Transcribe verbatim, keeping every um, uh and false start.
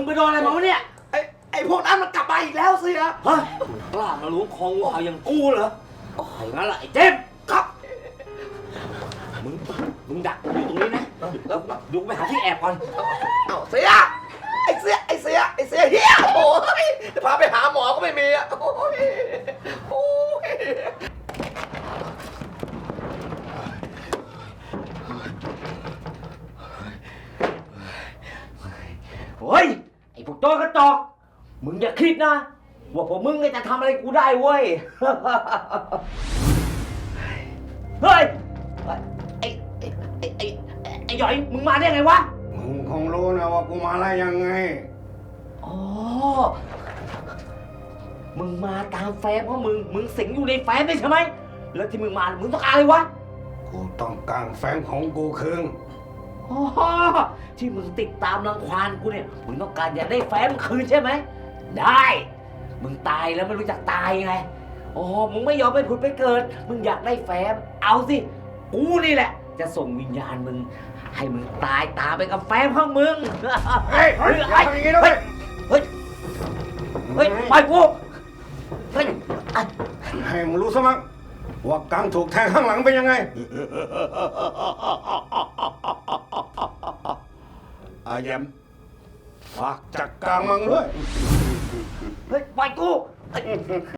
ไปโดนอะไรมาวะเนี่ยไอ้ไอ้พวกนั้นมันกลับมาอีกแล้วสิฮะฮะกล้ามาล้วงคองูเห่าอย่างกูเหรอไอ้งั้นล่ะไอ้เจมส์ครับมึงมึงดักอยู่ตรงนี้นะดูไปหาที่แอบก่อนเอ้าเสียไอ้เสียไอ้เสียไอ้เสียเฮียโอ้ยจะพาไปหาหมอก็ไม่มีอ่ะโอ้ยโอ้ยโอ้ยไอ้พวกโจรกระจอกมึงอย่าคิดนะว่าพวกมึงจะทำอะไรกูได้เว้ยเฮ้ยไอ้ไอ้ไอ้ไอ้ไอ้หยอยมึงมาได้ไงวะมึงคงรู้นะว่ากูมาอะไรยังไงอ๋อมึงมาตามแฟ้มเพราะมึงมึงสิงอยู่ในแฟ้มใช่ไหมแล้วที่มึงมามึงต้องการอะไรวะกูต้องการแฟ้มของกูคืนอ๋อที่มึงติดตามรังควานกูเนี่ยมึงต้องการอยากได้แฟ้มคืนใช่ไหมได้มึงตายแล้วไม่รู้จักตายไงอ๋อมึงไม่ยอมไปผุดไปเกิดมึงอยากได้แฟ้มเอาสิกูนี่แหละจะส่งวิญญาณมึงให้มึงตายตามไปกับแฟ้มของมึงเฮ้ยเฮ้ยอย่าทำอย่างนี้นะเว้ยเฮ้ยเฮ้ยไปกูเฮ้ยให้มึงรู้ซะมั้งว่ากังถูกแทงข้างหลังเป็นยังไงอาแยมฝากจัดการมึงด้วยเฮ้ยไปกู